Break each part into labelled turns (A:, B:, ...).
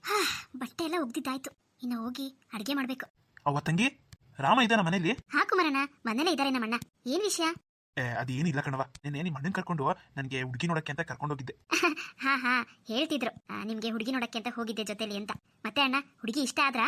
A: ಹಾ, ಬಟ್ಟೆ ಎಲ್ಲ ಒಗ್ದಿದ್ದಾಯ್ತು. ಇನ್ನು ಹೋಗಿ ಅಡ್ಗೆ ಮಾಡ್ಬೇಕು.
B: ಅವ್ವ ತಂಗಿ, ರಾಮ ಇದ್ದಾನ ಮನೇಲಿ?
A: ಹಾ ಕುಮಾರಣ್ಣ, ಮನೇಲೆ ಇದ್ದಾರೆ ನಮ್ಮಣ್ಣ. ಏನ್ ವಿಷಯ?
B: ಅದೇನಿಲ್ಲ ಕಣವ, ನಿನ್ನೆ ನಿಮ್ಮ ಅಣ್ಣನ್ ಕರ್ಕೊಂಡು ನನಗೆ ಹುಡುಗಿ ನೋಡಕ್ಕೆ ಅಂತ ಕರ್ಕೊಂಡೋಗಿದ್ದೆ.
A: ಹಾ ಹೇಳ್ತಿದ್ರು ನಿಮ್ಗೆ ಹುಡುಗಿ ನೋಡಕ್ಕೆ ಅಂತ ಹೋಗಿದ್ದೆ ಜೊತೆಲಿ ಅಂತ. ಮತ್ತೆ ಅಣ್ಣ, ಹುಡುಗಿ ಇಷ್ಟ ಆದ್ರಾ?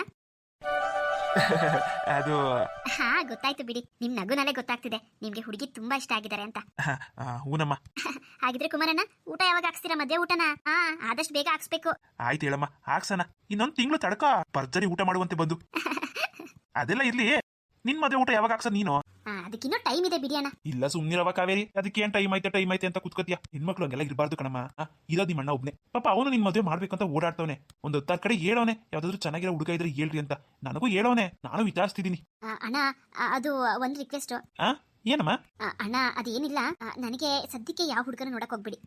B: ಅದು
A: ಹಾ ಗೊತ್ತಾಯ್ತು ಬಿಡಿ, ನಿಮ್ ನಗುನಲ್ಲೇ ಗೊತ್ತಾಗ್ತಿದೆ ನಿಮ್ಗೆ ಹುಡುಗಿ ತುಂಬಾ ಇಷ್ಟ ಆಗಿದ್ದಾರೆ ಅಂತ.
B: ಹೂನಮ್ಮ.
A: ಹಾಗಿದ್ರೆ ಕುಮಾರಣ್ಣ, ಊಟ ಯಾವಾಗ ಹಾಕ್ಸ್ತೀರಾ? ಮದ್ವೆ ಊಟನ? ಹಾ, ಆದಷ್ಟು ಬೇಗ ಹಾಕ್ಸ್ಬೇಕು.
B: ಆಯ್ತು ಹೇಳಮ್ಮ, ಹಾಕ್ಸಣ. ಇನ್ನೊಂದು ತಿಂಗಳು ತಡಕ ಭರ್ಜರಿ ಊಟ ಮಾಡುವಂತೆ ಬಂದು. ಅದೆಲ್ಲ ಇರ್ಲಿ, ನಿನ್ ಮದುವೆ ಊಟ ಯಾವಾಗ ಹಾಕ್ಸ ನೀನು?
A: ಅದಕ್ಕಿನ್ನೂ ಟೈಮ್ ಇದೆ ಬಿಡಿ ಅಣ್ಣ.
B: ಇಲ್ಲ ಸುಮ್ನಿರವ ಕಾವೇರಿ, ಅದಕ್ಕೆ ಏನ್ ಟೈಮ್ ಐತೆ ಅಂತ ಕುತ್ಕೋತಿಯ? ಹೆಣ್ಮಕ್ಳು ಹಂಗೆಲ್ಲ ಇರಬಾರ್ದು ಕಣಮ್ಮ. ಇರೋದು ನಿಮ್ಮ ಅಣ್ಣ ಒಬ್ನೇ. ಪಾಪ ಅವನು ನಿನ್ ಮದುವೆ ಮಾಡ್ಬೇಕಂತ ಓಡಾಡ್ತವನೆ. ಒಂದು 10 ಕಡೆ ಹೇಳೋನೆ, ಯಾವ್ದಾದ್ರು ಚೆನ್ನಾಗಿರೋ ಹುಡುಗ ಇದ್ರೆ ಹೇಳ್ರಿ ಅಂತ. ನನಗೂ ಹೇಳೋನೆ, ನಾನು ವಿಚಾರಿಸ್ತಿದ್ದೀನಿ.
A: ಅಣ್ಣ, ಅದು ಒಂದ್ ರಿಕ್ವೆಸ್ಟ್.
B: ಏನಮ್ಮ?
A: ಅಣ್ಣ, ಅದೇನಿಲ್ಲ, ನನಗೆ ಸದ್ಯಕ್ಕೆ ಯಾವ ಹುಡುಗನ ನೋಡಕ್ ಹೋಗ್ಬಿಡಿ.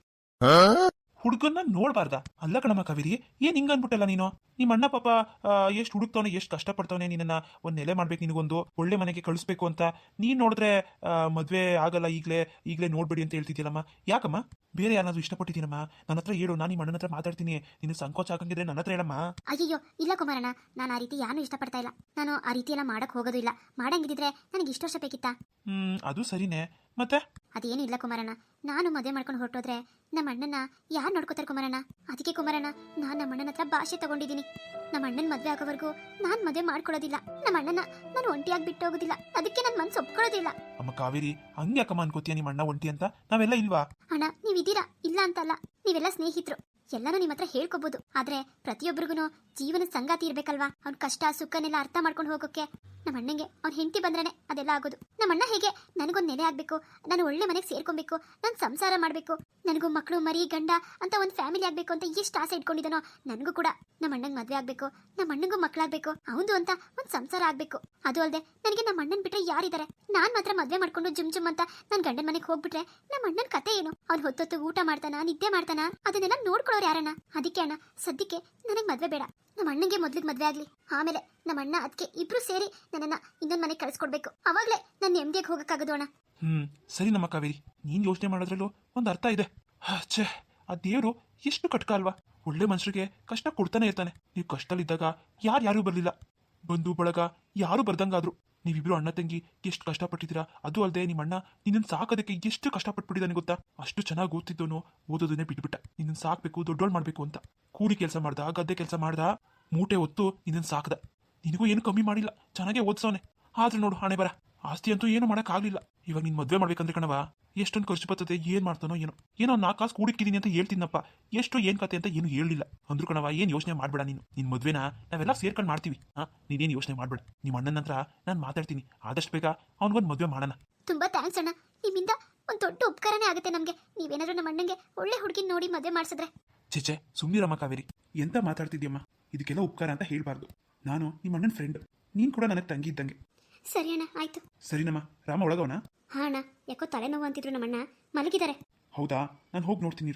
B: ಹುಡುಗನ್ನ ನೋಡ್ಬಾರ್ದ? ಅಲ್ಲ ಕಣಮ್ಮ ಕಾವೇರಿ, ಏನ್ ಹಿಂಗ ಅನ್ಬಿಟ್ಟಲ್ಲ ನೀನು? ನಿಮ್ಮ ಅಣ್ಣ ಪಾಪ ಎಷ್ಟು ಹುಡುಕ್ತವನೆ, ಎಷ್ಟು ಕಷ್ಟಪಡ್ತವನೆ, ನಿನ್ನ ಒಂದ್ ನೆಲೆ ಮಾಡ್ಬೇಕು, ನಿನಗೊಂದು ಒಳ್ಳೆ ಮನೆಗೆ ಕಳಿಸ್ಬೇಕು ಅಂತ. ನೀನ್ ನೋಡಿದ್ರೆ ಮದ್ವೆ ಆಗಲ್ಲ, ಈಗ್ಲೇ ನೋಡ್ಬೇಡಿ ಅಂತ ಹೇಳ್ತಿದ್ಯಲ್ಲಮ್ಮ. ಯಾಕಮ್ಮ? ಬೇರೆ ಯಾರಾದ್ರೂ ಇಷ್ಟಪಟ್ಟಿದ್ದೀನಮ್ಮ? ನನ್ನ ಹತ್ರ ಹೇಳು, ನಾನು ನಿಮ್ಮ ಅಣ್ಣನ ಹತ್ರ ಮಾತಾಡ್ತೀನಿ. ನಿನ್ನ ಸಂಕೋಚ ಆಗಂಗಿದ್ರೆ ನನ್ನ ಹತ್ರ ಹೇಳಮ್ಮ.
A: ಅಯ್ಯೋ ಇಲ್ಲ ಕುಮಾರಣ್ಣ, ನಾನು ಆ ರೀತಿ ಯಾರು ಇಷ್ಟಪಡ್ತಾ ಇಲ್ಲ. ನಾನು ಆ ರೀತಿ ಎಲ್ಲ ಮಾಡಕ್ ಹೋಗೋದು ಇಲ್ಲ. ಮಾಡಂಗಿದ್ರೆ ನನಗೆ ಇಷ್ಟು ವರ್ಷ ಬೇಕಿತ್ತಾ?
B: ಅದು ಸರಿನೇ, ಮತ್ತೆ
A: ಅದೇನು ಇಲ್ಲ ಕುಮಾರಣ್ಣ. ನಾನು ಮದುವೆ ಮಾಡ್ಕೊಂಡು ಹೊರಟೋದ್ರೆ ನಮ್ಮ ಅಣ್ಣನ ಯಾರು ನೋಡ್ಕೋತಾರೆ ಕುಮಾರಣ್ಣ? ಅದಕ್ಕೆ ಕುಮಾರಣ್ಣ, ನಾನು ನಮ್ಮ ಅಣ್ಣನ ಹತ್ರ ಭಾಷೆ ತಗೊಂಡಿದ್ದೀನಿ. ನಮ್ಮ ಅಣ್ಣನ ಮದುವೆ ಆಗೋವರೆಗೂ ನಾನು ಮದುವೆ ಮಾಡ್ಕೊಳ್ಳೋದಿಲ್ಲ. ನಮ್ಮ ಅಣ್ಣನ ನಾನು ಒಂಟಿಯಾಗಿ ಬಿಟ್ಟು ಹೋಗೋದಿಲ್ಲ. ಅದಕ್ಕೆ ನನ್ನ ಮನ್ಸು ಒಪ್ಕೊಳ್ಳೋದಿಲ್ಲ.
B: ಅಮ್ಮ ಕಾವೇರಿ, ಹಂಗೆ ಅಕ್ಕಮ್ಮ ಅನ್ಕೋತೀಯ ನಿಮ್ಮ ಅಣ್ಣ ಒಂಟಿ ಅಂತ? ನಾವೆಲ್ಲ ಇಲ್ವಾ?
A: ಅಣ್ಣ, ನೀವಿದ್ದೀರಾ, ಇಲ್ಲ ಅಂತಲ್ಲ. ನೀವೆಲ್ಲ ಸ್ನೇಹಿತರು, ಎಲ್ಲಾನು ನಿಮ್ಮ ಹತ್ರ ಹೇಳ್ಕೋಬಹುದು. ಆದ್ರೆ ಪ್ರತಿಯೊಬ್ಬರಿಗೂ ಜೀವನದ ಸಂಗಾತಿ ಇರ್ಬೇಕಲ್ವಾ? ಅವ್ನ ಕಷ್ಟ ಸುಖನೆಲ್ಲ ಅರ್ಥ ಮಾಡ್ಕೊಂಡು ಹೋಗೋಕೆ. ನಮ್ಮ ಅಣ್ಣಂಗೆ ಅವ್ನ ಹೆಂಡತಿ ಬಂದ್ರೇನೆ ಅದೆಲ್ಲ ಆಗೋದು. ನಮ್ಮ ಅಣ್ಣ ಹೇಗೆ ನನಗೊಂದು ನೆಲೆ ಆಗ್ಬೇಕು, ನಾನು ಒಳ್ಳೆ ಮನೆಗೆ ಸೇರ್ಕೊಬೇಕು, ನಾನು ಸಂಸಾರ ಮಾಡ್ಬೇಕು, ನನಗೂ ಮಕ್ಕಳು ಮರಿ ಗಂಡ ಅಂತ ಒಂದು ಫ್ಯಾಮಿಲಿ ಆಗ್ಬೇಕು ಅಂತ ಎಷ್ಟು ಆಸೆ ಇಟ್ಕೊಂಡಿದ್ದಾನೋ, ನನಗೂ ಕೂಡ ನಮ್ಮ ಅಣ್ಣಂಗೆ ಮದ್ವೆ ಆಗ್ಬೇಕು, ನಮ್ಮ ಅಣ್ಣಂಗೂ ಮಕ್ಕಳಾಗ್ಬೇಕು, ಅವನು ಅಂತ ಒಂದು ಸಂಸಾರ ಆಗ್ಬೇಕು. ಅದು ಅಲ್ಲದೆ ನನಗೆ ನಮ್ಮ ಅಣ್ಣನ್ ಬಿಟ್ರೆ ಯಾರಿದ್ದಾರೆ? ನಾನ್ ಮಾತ್ರ ಮದ್ವೆ ಮಾಡ್ಕೊಂಡು ಜುಮ್ ಅಂತ ನನ್ನ ಗಂಡನ ಮನೆಗೆ ಹೋಗ್ಬಿಟ್ರೆ ನಮ್ಮ ಅಣ್ಣನ ಕತೆ ಏನು? ಅವ್ನು ಹೊತ್ತೊತ್ತು ಊಟ ಮಾಡ್ತಾನ, ನಿದ್ದೆ ಮಾಡ್ತಾನ, ಅದನ್ನೆಲ್ಲ ನೋಡ್ಕೊಳ್ಳೋರು ಯಾರಣ್ಣ? ಅದಕ್ಕೆ ಅಣ್ಣ, ಸದ್ಯಕ್ಕೆ ನನಗೆ ಮದ್ವೆ ಬೇಡ. ನಮ್ಮ ಅಣ್ಣಂಗೆ ಮೊದ್ಲಿಗೆ ಮದ್ವೆ ಆಗ್ಲಿ, ಆಮೇಲೆ ನಮ್ಮ ಅಣ್ಣ ಅದಕ್ಕೆ ಇಬ್ರು ಸೇರಿ ನನ್ನನ್ನ ಇನ್ನೊಂದ್ ಮನೆಗೆ ಕಳ್ಸ್ಕೊಡ್ಬೇಕು. ಅವಾಗ್ಲೇ ನನ್ನ ನೆಮ್ಮದಿಯಾಗಿ ಹೋಗಕ್ಕಾಗದು ಅಣ್ಣ.
B: ಸರಿ ನಮ್ಮ ಕಾವೇರಿ, ನೀನ್ ಯೋಚನೆ ಮಾಡೋದ್ರಲ್ಲೂ ಒಂದು ಅರ್ಥ ಇದೆ. ಛೇ, ಆ ದೇವ್ರು ಎಷ್ಟು ಕಟ್ಕ ಅಲ್ವಾ? ಒಳ್ಳೆ ಮನುಷ್ಯರಿಗೆ ಕಷ್ಟ ಕೊಡ್ತಾನೆ ಇರ್ತಾನೆ. ನೀವು ಕಷ್ಟದಲ್ಲಿದ್ದಾಗ ಯಾರು ಬರ್ಲಿಲ್ಲ, ಬಂಧು ಬಳಗ ಯಾರು ಬರ್ದಂಗಾದ್ರು. ನೀವಿಬ್ರು ಅಣ್ಣ ತಂಗಿ ಎಷ್ಟು ಕಷ್ಟಪಟ್ಟಿದ್ದೀರಾ. ಅದು ಅಲ್ಲದೆ ನಿಮ್ಮ ಅಣ್ಣ ನಿನ್ನನ್ನು ಸಾಕೋದಕ್ಕೆ ಎಷ್ಟು ಕಷ್ಟಪಟ್ಬಿಟ್ಟಿದ್ದಾನೆ ಗೊತ್ತಾ? ಅಷ್ಟು ಚೆನ್ನಾಗಿ ಓದ್ತಿದ್ದವನು ಓದೋದನ್ನೇ ಬಿಟ್ಬಿಟ್ಟ. ನಿನ್ನನ್ನು ಸಾಕ್ಬೇಕು, ದೊಡ್ಡೋಳು ಮಾಡ್ಬೇಕು ಅಂತ ಕೂಲಿ ಕೆಲಸ ಮಾಡ್ದ, ಗದ್ದೆ ಕೆಲಸ ಮಾಡ್ದ, ಮೂಟೆ ಹೊತ್ತು ನಿನ್ನನ್ನು ಸಾಕ್ದ. ನಿನಗೂ ಏನು ಕಮ್ಮಿ ಮಾಡಿಲ್ಲ, ಚೆನ್ನಾಗೇ ಓದ್ಸವನೆ. ಆದ್ರೆ ನೋಡು ಹಣೆ ಬರ, ಆಸ್ತಿ ಅಂತೂ ಏನು ಮಾಡೋಕ್ಕಾಗಲಿಲ್ಲ. ಇವಾಗ ನೀನು ಮದುವೆ ಮಾಡ್ಬೇಕಂದ್ರೆ ಕಣವ, ಎಷ್ಟೊಂದು ಖರ್ಚು ಬರ್ತದೆ, ಏನ್ ಮಾಡ್ತಾನೋ ಏನೋ 4 ಕಾಸು ಕೂಡಿಕ್ಕಿದ್ದೀನಿ ಅಂತ ಹೇಳ್ತೀನಪ್ಪ. ಎಷ್ಟು ಏನ್ ಕತೆ ಅಂತ ಏನು ಹೇಳಿಲ್ಲ ಅಂದ್ರು ಕಣವ. ಏನ್ ಯೋಚನೆ ಮಾಡ್ಬೇಡ ನೀನು. ನಿನ್ ಮದ್ವೆನ ನಾವೆಲ್ಲ ಸೇರ್ಕೊಂಡು ಮಾಡ್ತೀವಿ. ನೀನೇನು ಯೋಚನೆ ಮಾಡ್ಬೇಡ. ನಿಮ್ಮ ಅಣ್ಣನ ಹತ್ರ ನಾನು ಮಾತಾಡ್ತೀನಿ, ಆದಷ್ಟು ಬೇಗ ಅವ್ನಿಗೊಂದು ಮದುವೆ ಮಾಡೋಣ.
A: ತುಂಬಾ ಥ್ಯಾಂಕ್ಸ್ ಅಣ್ಣ, ನಿಮ್ಮಿಂದ ಒಂದು ದೊಡ್ಡ ಉಪಕಾರನೇ ಆಗುತ್ತೆ ನಮ್ಗೆ. ನೀವೇನಾದ್ರೂ ನಮ್ಮ ಅಣ್ಣಂಗೆ ಒಳ್ಳೆ ಹುಡುಗಿ ನೋಡಿ ಮದುವೆ ಮಾಡಿಸಿದ್ರೆ.
B: ಚೇಚೆ ಸುಮ್ಮನಿರಮ್ಮ ಕಾವೇರಿ, ಎಂತ ಮಾತಾಡ್ತಿದ್ಯಮ್ಮ? ಇದಕ್ಕೆಲ್ಲ ಉಪಕಾರ ಅಂತ ಹೇಳ್ಬಾರ್ದು. ನಾನು ನಿಮ್ಮ ಅಣ್ಣನ ಫ್ರೆಂಡ್, ನೀನ್ ಕೂಡ ನನಗೆ ತಂಗಿ ಇದ್ದಂಗೆ.
A: ಸರಿ ಅಣ್ಣ, ಆಯ್ತು.
B: ಸರಿನಮ್ಮ. ರಾಮ ಒಳಗವನ?
A: ಹಾ ಅಣ್ಣ, ಯಾಕೋ ತಲೆನೋವು ಅಂತಿದ್ರು ನಮ್ಮಣ್ಣ, ಮಲಗಿದ್ದಾರೆ.
B: ಹೌದಾ, ನಾನು ಹೋಗಿ ನೋಡ್ತೀನಿ.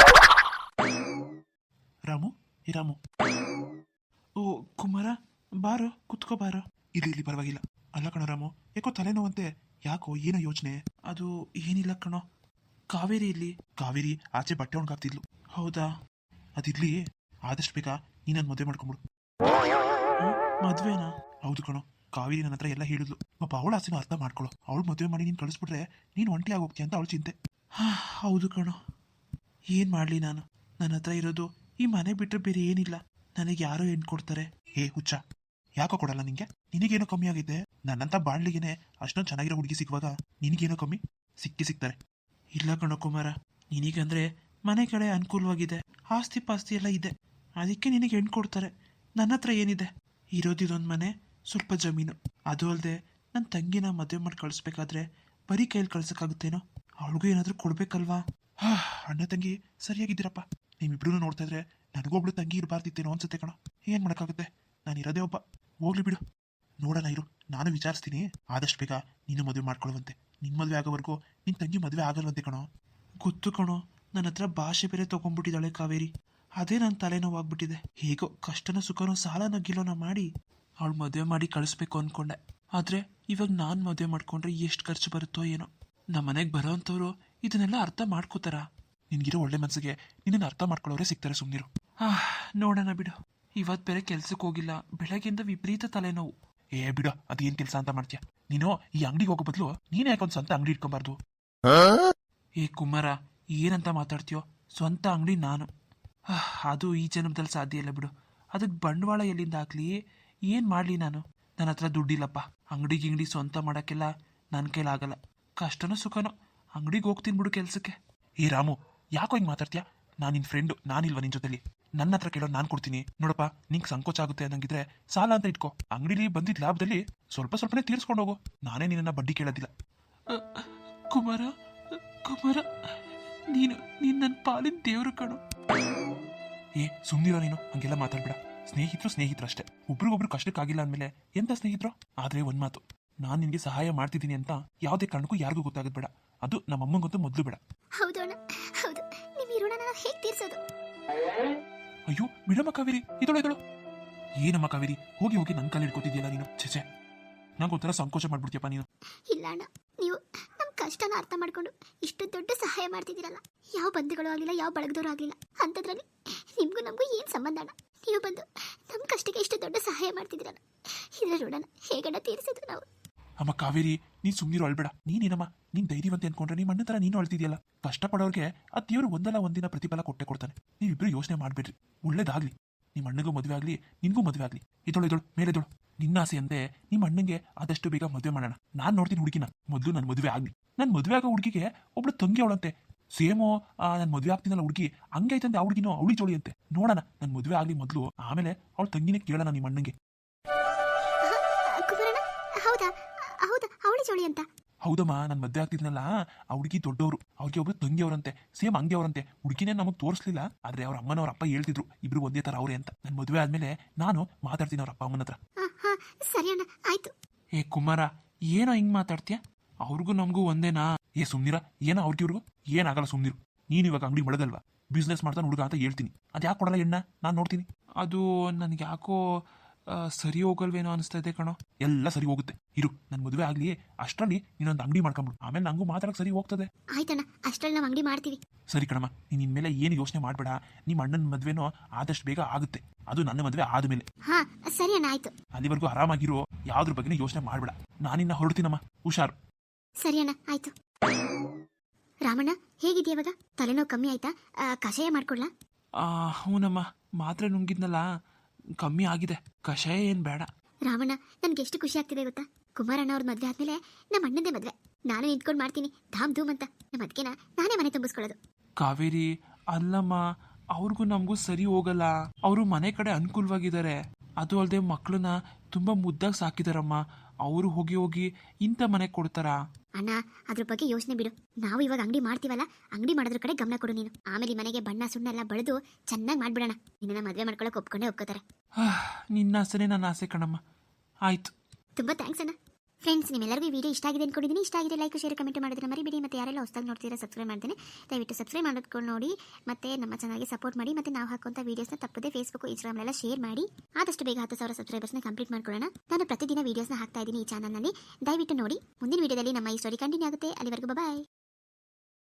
B: ರಾಮು, ಈ ರಾಮು. ಓ ಕುಮಾರ, ಬಾರೋ ಕುತ್ಕೋ ಬಾರೋ. ಇಲ್ಲಿ ಪರವಾಗಿಲ್ಲ. ಅಲ್ಲ ಕಣೋ ರಾಮು, ಯಾಕೋ ತಲೆನೋವಂತೆ? ಯಾಕೋ, ಏನೋ ಯೋಚನೆ? ಅದು ಏನಿಲ್ಲ ಕಣೋ. ಕಾವೇರಿ ಇಲ್ಲಿ. ಕಾವೇರಿ ಆಚೆ ಬಟ್ಟೆ ಒಣಗಾಗ್ತಿದ್ಲು. ಹೌದಾ, ಅದಿರ್ಲಿ. ಆದಷ್ಟು ಬೇಗ ನೀ ನನ್ನ ಮದುವೆ ಮಾಡ್ಕೊಂಬಿಡು. ಮದುವೆನಾ? ಹೌದು ಕಣೋ. ಕಾವೇರಿ ನನ್ನ ಹತ್ರ ಎಲ್ಲ ಹೇಳಿದ್ಲು. ಪಾಪ ಅವಳ ಆಸೆನ ಅರ್ಥ ಮಾಡ್ಕೊಳ್ಳೋ. ಅವಳು ಮದುವೆ ಮಾಡಿ ನೀನು ಕಳಿಸ್ಬಿಟ್ರೆ ನೀನು ಒಂಟಿ ಆಗೋಗ್ತೀಯ ಅಂತ ಅವಳು ಚಿಂತೆ. ಹೌದು ಕಣೋ, ಏನು ಮಾಡಲಿ ನಾನು? ನನ್ನ ಹತ್ರ ಇರೋದು ಈ ಮನೆ ಬಿಟ್ಟರೆ ಬೇರೆ ಏನಿಲ್ಲ. ನನಗೆ ಯಾರೋ ಹೆಣ್ಣು ಕೊಡ್ತಾರೆ. ಹುಚ್ಚ, ಯಾಕೋ ಕೊಡಲ್ಲ ನಿಂಗೆ? ನಿನಗೇನೋ ಕಮ್ಮಿ ಆಗಿದೆ. ನನ್ನಂತ ಬಾಳ್ಲಿಗೆನೆ ಅಷ್ಟೊಂದು ಚೆನ್ನಾಗಿರೋ ಹುಡುಗಿ ಸಿಗುವಾಗ ನಿನಗೇನೋ ಕಮ್ಮಿ? ಸಿಕ್ಕಿದ್ದಾರೆ. ಇಲ್ಲ ಕಣೋ ಕುಮಾರ, ನಿನಗಂದ್ರೆ ಮನೆ ಕಡೆ ಅನುಕೂಲವಾಗಿದೆ, ಆಸ್ತಿ ಪಾಸ್ತಿ ಎಲ್ಲ ಇದೆ, ಅದಕ್ಕೆ ನಿನಗೆ ಹೆಣ್ಣು ಕೊಡ್ತಾರೆ. ನನ್ನ ಹತ್ರ ಏನಿದೆ? ಇರೋದಿದೊಂದು ಮನೆ, ಸ್ವಲ್ಪ ಜಮೀನು. ಅದು ಅಲ್ಲದೆ ನನ್ನ ತಂಗಿನ ಮದುವೆ ಮಾಡಿ ಕಳಿಸ್ಬೇಕಾದ್ರೆ ಬರೀ ಕೈಯಲ್ಲಿ ಕಳ್ಸೋಕ್ಕಾಗುತ್ತೇನೋ? ಅವಳಿಗೂ ಏನಾದರೂ ಕೊಡ್ಬೇಕಲ್ವಾ? ಅಣ್ಣ ತಂಗಿ ಸರಿಯಾಗಿದ್ದೀರಪ್ಪ. ನಿಮ್ಮಿಬ್ರು ನೋಡ್ತಾ ಇದ್ರೆ ನನಗೊಬ್ಳು ತಂಗಿ ಇರಬಾರ್ದಿತ್ತೇನೋ ಅನ್ಸುತ್ತೆ ಕಣೋ. ಏನು ಮಾಡೋಕ್ಕಾಗುತ್ತೆ? ನಾನು ಇರೋದೇ ಒಬ್ಬ. ಹೋಗ್ಲಿ ಬಿಡು, ನೋಡೋಣ ಇರು. ನಾನು ವಿಚಾರಿಸ್ತೀನಿ. ಆದಷ್ಟು ಬೇಗ ನೀನು ಮದುವೆ ಮಾಡ್ಕೊಳ್ಳುವಂತೆ. ನಿನ್ನ ಮದುವೆ ಆಗೋವರೆಗೂ ನಿನ್ನ ತಂಗಿ ಮದುವೆ ಆಗಲ್ವಂತೆ ಕಣೋ. ಗೊತ್ತು ಕಣೋ, ನನ್ನ ಹತ್ರ ಭಾಷೆ ಬೇರೆ ತೊಗೊಂಡ್ಬಿಟ್ಟಿದ್ದಾಳೆ ಕಾವೇರಿ. ಅದೇ ನನ್ನ ತಲೆನೋವಾಗ್ಬಿಟ್ಟಿದೆ. ಹೇಗೋ ಕಷ್ಟನೋ ಸುಖನೋ ಸಾಲನೋ ಗಿಲೋನೋ ಮಾಡಿ ಅವಳು ಮದುವೆ ಮಾಡಿ ಕಳಿಸ್ಬೇಕು ಅಂದ್ಕೊಂಡೆ. ಆದರೆ ಇವಾಗ ನಾನು ಮದುವೆ ಮಾಡ್ಕೊಂಡ್ರೆ ಎಷ್ಟು ಖರ್ಚು ಬರುತ್ತೋ ಏನೋ. ನಮ್ಮ ಮನೆಗೆ ಬರೋ ಅಂಥವ್ರು ಇದನ್ನೆಲ್ಲ ಅರ್ಥ ಮಾಡ್ಕೋತಾರ? ನಿನಗಿರೋ ಒಳ್ಳೆ ಮನಸ್ಸಿಗೆ ನಿನ್ನನ್ನು ಅರ್ಥ ಮಾಡ್ಕೊಳ್ಳೋರೇ ಸಿಗ್ತಾರೆ. ಸುಮ್ಮನಿರು. ನೋಡೋಣ ಬಿಡು. ಇವತ್ತು ಬೇರೆ ಕೆಲ್ಸಕ್ಕೆ ಹೋಗಿಲ್ಲ, ಬೆಳಗ್ಗೆಯಿಂದ ವಿಪರೀತ ತಲೆನೋವು. ಏ ಬಿಡ, ಅದೇನ್ ಕೆಲಸ ಅಂತ ಮಾಡ್ತೀಯ ನೀನು? ಈ ಅಂಗಡಿಗೆ ಹೋಗೋ ಬದಲು ನೀನೇ ಯಾಕೊಂದು ಸ್ವಂತ ಅಂಗಡಿ ಇಟ್ಕೊಬಾರ್ದು? ಏ ಕುಮಾರ, ಏನಂತ ಮಾತಾಡ್ತೀಯೋ? ಸ್ವಂತ ಅಂಗಡಿ ನಾನು. ಅದು ಈ ಜನ್ಮದಲ್ಲಿ ಸಾಧ್ಯ ಇಲ್ಲ ಬಿಡು. ಅದಕ್ಕೆ ಬಂಡವಾಳ ಎಲ್ಲಿಂದ ಹಾಕ್ಲಿ, ಏನು ಮಾಡಲಿ ನಾನು? ನನ್ನ ಹತ್ರ ದುಡ್ಡಿಲ್ಲಪ್ಪ. ಅಂಗಡಿ ಸ್ವಂತ ಮಾಡೋಕ್ಕೆಲ್ಲ ನನ್ನ ಕೈಲಾಗಲ್ಲ. ಕಷ್ಟನೋ ಸುಖನೋ ಅಂಗಡಿಗೆ ಹೋಗ್ತೀನಿ ಬಿಡು ಕೆಲಸಕ್ಕೆ. ಏ ರಾಮು, ಯಾಕೋ ಹಿಂಗೆ ಮಾತಾಡ್ತೀಯಾ? ನಾನು ನಿನ್ನ ಫ್ರೆಂಡು, ನಾನಿಲ್ವಾ ನಿನ್ನ ಜೊತೆಲಿ? ನನ್ನ ಹತ್ರ ಕೇಳೋ ನಾನು ಕೊಡ್ತೀನಿ. ನೋಡಪ್ಪ, ನಿಂಗೆ ಸಂಕೋಚ ಆಗುತ್ತೆ ಅನ್ನಂಗಿದ್ರೆ ಸಾಲ ಅಂತ ಇಟ್ಕೋ. ಅಂಗಡಿಲಿ ಬಂದಿದ್ದ ಲಾಭದಲ್ಲಿ ಸ್ವಲ್ಪನೇ ತೀರಿಸ್ಕೊಂಡು ಹೋಗು. ನಾನೇ ನಿನ್ನ ಬಡ್ಡಿ ಕೇಳೋದಿಲ್ಲ. ಕುಮಾರ ಕುಮಾರ, ನೀನು ನನ್ನ ಪಾಲಿನ ದೇವರು ಕಣು. ಏ ಸುಮ್ಮನಿರೋ ನೀನು, ಹಂಗೆಲ್ಲ ಮಾತಾಡ್ಬೇಡ. ಸ್ನೇಹಿತರು ಅಷ್ಟೇ. ಒಬ್ರಿಗೊಬ್ರು ಕಷ್ಟಕ್ಕಾಗಿಲ್ಲ ಅಂದಮೇಲೆ ಎಂತ ಸ್ನೇಹಿತರು? ಆದ್ರೆ ಒಂದ್ ಮಾತು, ನಾನು ನಿನ್ಗೆ ಸಹಾಯ ಮಾಡ್ತಿದ್ದೀನಿ ಅಂತ ಯಾವುದೇ ಕಾರಣಕ್ಕೂ ಯಾರಿಗೂ ಗೊತ್ತಾಗದ್ ಬೇಡ. ಅದು ನಮ್ಮ ಅಮ್ಮಂಗಂತೂ ಮೊದಲು ಬೇಡ.
A: ಹೌದು ಅಣ್ಣ, ಹೌದು. ನಿಮ್ಮ ಈ ಋಣನ ಹೇಗೆ ತೀರ್ಸೋದು?
B: ಅಯ್ಯೋ ಬಿಡಮ್ಮ ಕಾವೇರಿ, ಇದಳು. ಏನಮ್ಮ ಕಾವೇರಿ, ಹೋಗಿ ನನ್ನ ಕಾಲು ಹಿಡ್ಕೊತಿದ್ಯಲ್ಲ ನೀನು. ಛೆ, ನಂಗೊಂಥರ ಸಂಕೋಚ ಮಾಡ್ಬಿಡ್ತೀಯಪ್ಪ ನೀನು.
A: ಇಲ್ಲ ಅಣ್ಣ, ನೀವು ನಮ್ಮ ಕಷ್ಟನ ಅರ್ಥ ಮಾಡ್ಕೊಂಡು ಇಷ್ಟು ದೊಡ್ಡ ಸಹಾಯ ಮಾಡ್ತಿದ್ದೀರಲ್ಲ. ಯಾವ ಬಂಧುಗಳು ಆಗಲಿಲ್ಲ, ಯಾವ ಬಳಗದವರು ಆಗಲಿಲ್ಲ. ಅಂಥದ್ರಲ್ಲಿ ನಿಮಗೂ ನಮಗೂ ಏನು ಸಂಬಂಧ ಅಣ್ಣ? ನೀವು ಬಂದು ನಮ್ಮ ಕಷ್ಟಕ್ಕೆ ಇಷ್ಟು ದೊಡ್ಡ ಸಹಾಯ ಮಾಡ್ತಿದ್ದೀರಲ್ಲ, ಇದರ ಋಣನ ಹೇಗಣ್ಣ ತೀರಿಸೋದು ನಾವು?
B: ಅಮ್ಮ ಕಾವೇರಿ, ನೀನ್ ಸುಮ್ಮನಿರು, ಅಳ್ಬೇಡ. ನೀನೇನಮ್ಮ, ನೀನ್ ಧೈರ್ಯವಂತೆ ಅನ್ಕೊಂಡ್ರೆ ನಿಮ್ಮ ಅಣ್ಣ ತರ ನೀನು ಅಳ್ತಿದ್ಯಲ್ಲ. ಕಷ್ಟಪಡೋರ್ಗೆ ಆ ದೇವರು ಒಂದಲ್ಲ ಒಂದಿನ ಪ್ರತಿಫಲ ಕೊಟ್ಟೆ ಕೊಡ್ತಾನೆ. ನೀವಿಬ್ರು ಯೋಚನೆ ಮಾಡ್ಬೇಡ್ರಿ. ಒಳ್ಳೇದಾಗ್ಲಿ, ನಿಮ್ಮ ಅಣ್ಣಗೂ ಮದುವೆ ಆಗ್ಲಿ, ನಿನ್ಗೂ ಮದುವೆ ಆಗ್ಲಿ. ಇದಳು ಮೇಲೆದಳು. ನಿನ್ನ ಆಸೆ ಅಂತೆ ನಿಮ್ಮ ಅಣ್ಣಂಗೆ ಆದಷ್ಟು ಬೇಗ ಮದುವೆ ಮಾಡೋಣ. ನಾನ್ ನೋಡ್ತೀನಿ ಹುಡುಗಿನ. ಮೊದಲು ನನ್ನ ಮದುವೆ ಆಗ್ಲಿ. ನನ್ ಮದುವೆ ಆಗೋ ಹುಡುಗಿಗೆ ಒಬ್ಳು ತಂಗಿ ಅವಳಂತೆ. ಸೇಮೋ ನನ್ ಮದುವೆ ಆಗ್ತೀನಲ್ಲ ಹುಡುಗಿ, ಹಂಗೆ ಐತಂತೆ ಆ ಹುಡುಗಿನೋ ಅವಳಿ ಜೋಳಿ ಅಂತೆ. ನೋಡೋಣ, ನನ್ ಮದುವೆ ಆಗ್ಲಿ ಮೊದಲು, ಆಮೇಲೆ ಅವಳ ತಂಗಿನೇ ಕೇಳೋಣ ನಿಮ್ಮ ಅಣ್ಣಂಗೆ.
A: ಹೌದಾ ಹೌದಾ, ಅವಳಿ ಜೋಳಿ ಅಂತ?
B: ಹೌದಮ್ಮ, ನನ್ ಮದ್ವೆ ಆಗ್ತಿದ್ನಲ್ಲ, ಆ ಹುಡುಗಿ ದೊಡ್ಡವರು, ಅವ್ರಿಗೆ ಒಬ್ರು ತಂಗಿ ಅವರಂತೆ, ಸೇಮ್ ಹಂಗೆ ಅವರಂತೆ. ಹುಡುಗಿನೇ ನಮಗ್ ತೋರಿಸ್ಲಿಲ್ಲ, ಆದ್ರೆ ಅವ್ರ ಅಮ್ಮನವ್ರ ಅಪ್ಪ ಹೇಳ್ತಿದ್ರು ಇಬ್ರು ಒಂದೇ ತರ ಅವ್ರೆ ಅಂತ. ನನ್ ಮದುವೆ ಆದ್ಮೇಲೆ ನಾನು ಮಾತಾಡ್ತೀನಿ ಅವ್ರ ಅಪ್ಪ ಅಮ್ಮನ ಹತ್ರ.
A: ಸರಿ ಅಣ್ಣ, ಆಯ್ತು.
B: ಏ ಕುಮಾರ, ಏನೋ ಹಿಂಗ್ ಮಾತಾಡ್ತೀಯ? ಅವ್ರಿಗೂ ನಮಗೂ ಒಂದೇನಾ? ಏ ಸುಮ್ನಿರ, ಏನೋ ಅವ್ರಿಗಿವ್ರಿಗೂ ಏನಾಗಲ್ಲ, ಸುಮ್ನಿರು. ನೀನ್ ಇವಾಗ ಅಂಗಡಿ ಮಳಗಲ್ವಾ, ಬಿಸ್ನೆಸ್ ಮಾಡ್ತಾನೆ ಹುಡುಗ ಅಂತ ಹೇಳ್ತೀನಿ. ಅದ್ ಯಾಕೆ ಕೊಡಲ್ಲ ಎಣ್ಣ? ನಾನು ನೋಡ್ತೀನಿ. ಅದು ನನ್ಗೆ ಯಾಕೋ ಸರಿ ಹೋಗಲ್ವೇನೋ ಅನಿಸ್ತಾ ಇದೆ ಕಣೋ. ಎಲ್ಲ ಸರಿ ಹೋಗುತ್ತೆ, ಇರು. ನನ್ ಮದುವೆ ಆಗ್ಲಿ, ಅಷ್ಟರಲ್ಲಿ ನೀನೊಂದು ಅಂಗಡಿ ಮಾಡ್ಕೊಂಬಿಡು, ಆಮೇಲೆ ನಂಗೂ ಮಾತಾಡಕ್ ಸರಿ ಹೋಗ್ತದೆ.
A: ಆಯ್ತಣ್ಣ, ಅಷ್ಟರಲ್ಲಿ ನಾವು ಅಂಗಡಿ ಮಾಡ್ತೀವಿ.
B: ಸರಿ ಕಣಮ್ಮ, ನೀನ್ ಇನ್ಮೇಲೆ ಏನು ಯೋಚನೆ ಮಾಡ್ಬೇಡ. ನಿಮ್ಮ ಅಣ್ಣನ ಮದ್ವೆನೋ ಆದಷ್ಟು ಬೇಗ ಆಗುತ್ತೆ, ಅದು ನನ್ನ ಮದ್ವೆ ಆದ್ಮೇಲೆ.
A: ಹಾ ಸರಿ ಅಣ್ಣ, ಆಯ್ತು.
B: ಅಲ್ಲಿವರೆಗೂ ಆರಾಮಾಗಿರೋ, ಯಾವ್ದ್ರ ಬಗ್ಗೆನೂ ಯೋಚನೆ ಮಾಡ್ಬೇಡ. ನಾನಿನ್ನ ಹೊರಡ್ತೀನಮ್ಮ, ಹುಷಾರು.
A: ಸರಿ ಅಣ್ಣ, ಆಯ್ತು. ರಾಮಣ್ಣ, ಹೇಗಿದೆಯಾ ಇವಾಗ? ತಲೆನೋವು ಕಮ್ಮಿ ಆಯ್ತಾ? ಕಷಾಯ ಮಾಡ್ಕೊಡ್ಲಾ?
B: ಹೂನಮ್ಮ, ಮಾತ್ರೆ ನುಂಗಿದ್ನಲ್ಲ, ಕಮ್ಮಿ ಆಗಿದೆ. ಕಷಾಯ ಏನ್ ಬೇಡ.
A: ರಾಮಣ್ಣ, ನನ್ಗೆ ಎಷ್ಟು ಖುಷಿ ಆಗ್ತಿದೆ ಗೊತ್ತಾ? ಕುಮಾರಣ್ಣ ಅವ್ರ ಮದ್ವೆ ಆದ್ಮೇಲೆ ನಮ್ಮ ಅಣ್ಣಂದೇ ಮದ್ವೆ. ನಾನು ನಿಂತ್ಕೊಂಡು ಮಾಡ್ತೀನಿ ಧಾಮ್ ಧೂಮ್ ಅಂತ. ನಮ್ಮ ಅದಕ್ಕೆನ ನಾನೇ ಮನೆ ತುಂಬಿಸ್ಕೊಳ್ಳೋದು.
B: ಕಾವೇರಿ, ಅಲ್ಲಮ್ಮ, ಅವ್ರಿಗೂ ನಮಗೂ ಸರಿ ಹೋಗಲ್ಲ. ಅವರು ಮನೆ ಕಡೆ ಅನುಕೂಲವಾಗಿದ್ದಾರೆ. ಅದು ಅಲ್ಲದೆ ಮಕ್ಕಳನ್ನ ತುಂಬಾ ಮುದ್ದಾಗಿ ಸಾಕಿದಾರಮ್ಮ. ಅವರು ಹೋಗಿ ಇಂಥ ಮನೆ ಕೊಡ್ತಾರಾ?
A: ಅಣ್ಣ, ಅದ್ರ ಬಗ್ಗೆ ಯೋಚನೆ ಬಿಡು. ನಾವು ಇವಾಗ ಅಂಗಡಿ ಮಾಡ್ತೀವಲ್ಲ, ಅಂಗಡಿ ಮಾಡೋದ್ರ ಕಡೆ ಗಮನ ಕೊಡು ನೀನು. ಆಮೇಲೆ ಮನೆಗೆ ಬಣ್ಣ ಸುಣ್ಣ ಎಲ್ಲ ಬಳಿದು ಚೆನ್ನಾಗಿ ಮಾಡ್ಬಿಡೋಣ. ನಿನ್ನ ಮದ್ವೆ ಮಾಡ್ಕೊಳಕ್ ಒಪ್ಕೊಂಡೇ ಒಪ್ಕೋತಾರೆ.
B: ನಿನ್ನ ಆಸೆನೇ ನನ್ನ ಆಸೆ ಕಣಮ್ಮ. ಆಯ್ತು,
A: ತುಂಬಾ ಥ್ಯಾಂಕ್ಸ್ ಅಣ್ಣ. ಫ್ರೆಂಡ್ಸ್, ನಿಮ್ಮೆಲ್ಲರಿಗೂ ಈ ವಿಡಿಯೋ ಇಷ್ಟ ಆಗಿದೆ ಅನ್ಕೊಂಡಿದ್ದೀನಿ. ಇಷ್ಟ ಆಗಿದೆ ಲೈಕ್ ಶೇರ್ ಕಮೆಂಟ್ ಮಾಡೋದನ್ನ ಮರಿಬೇಡಿ. ಮತ್ತೆ ಯಾರೆಲ್ಲ ಹೊಸದಾಗಿ ನೋಡ್ತೀರಾ ಸಬ್ಸ್ಕ್ರೈಬ್ ಮಾಡ್ತೀನಿ, ದಯವಿಟ್ಟು ಸಬ್ಸ್ಕ್ರೈಬ್ ಮಾಡ್ಕೊಂಡು ನೋಡಿ. ಮತ್ತೆ ನಮ್ಮ ಚಾನಲ್ಗೆ ಸಪೋರ್ಟ್ ಮಾಡಿ. ಮತ್ತೆ ನಾವು ಹಾಕುವಂಥ ವೀಡಿಯೋಸ್ನ ತಪ್ಪದೆ ಫೇಸ್ಬುಕ್ ಇನ್ಸ್ಟಾಗ್ರಾಮ್ ಶೇರ್ ಮಾಡಿ. ಆದಷ್ಟು ಬೇಗ 10,000 ಸಬ್ಸ್ಕ್ರೈಬರ್ಸ್ನ ಕಂಪ್ಲೀಟ್ ಮಾಡ್ಕೊಳ್ಳೋಣ. ನಾನು ಪ್ರತಿದಿನ ವೀಡಿಯೋಸ್ನ ಹಾಕ್ತಾ ಇದ್ದೀನಿ ಈ ಚಾನಲ್ನಲ್ಲಿ, ದಯವಿಟ್ಟು ನೋಡಿ. ಮುಂದಿನ ವಿಡಿಯೋದಲ್ಲಿ ನಮ್ಮ ಈ ಸ್ಟೋರಿ ಕಂಟಿನ್ಯೂ ಆಗುತ್ತೆ. ಅಲ್ಲಿವರೆಗೂ ಬಾಯ್.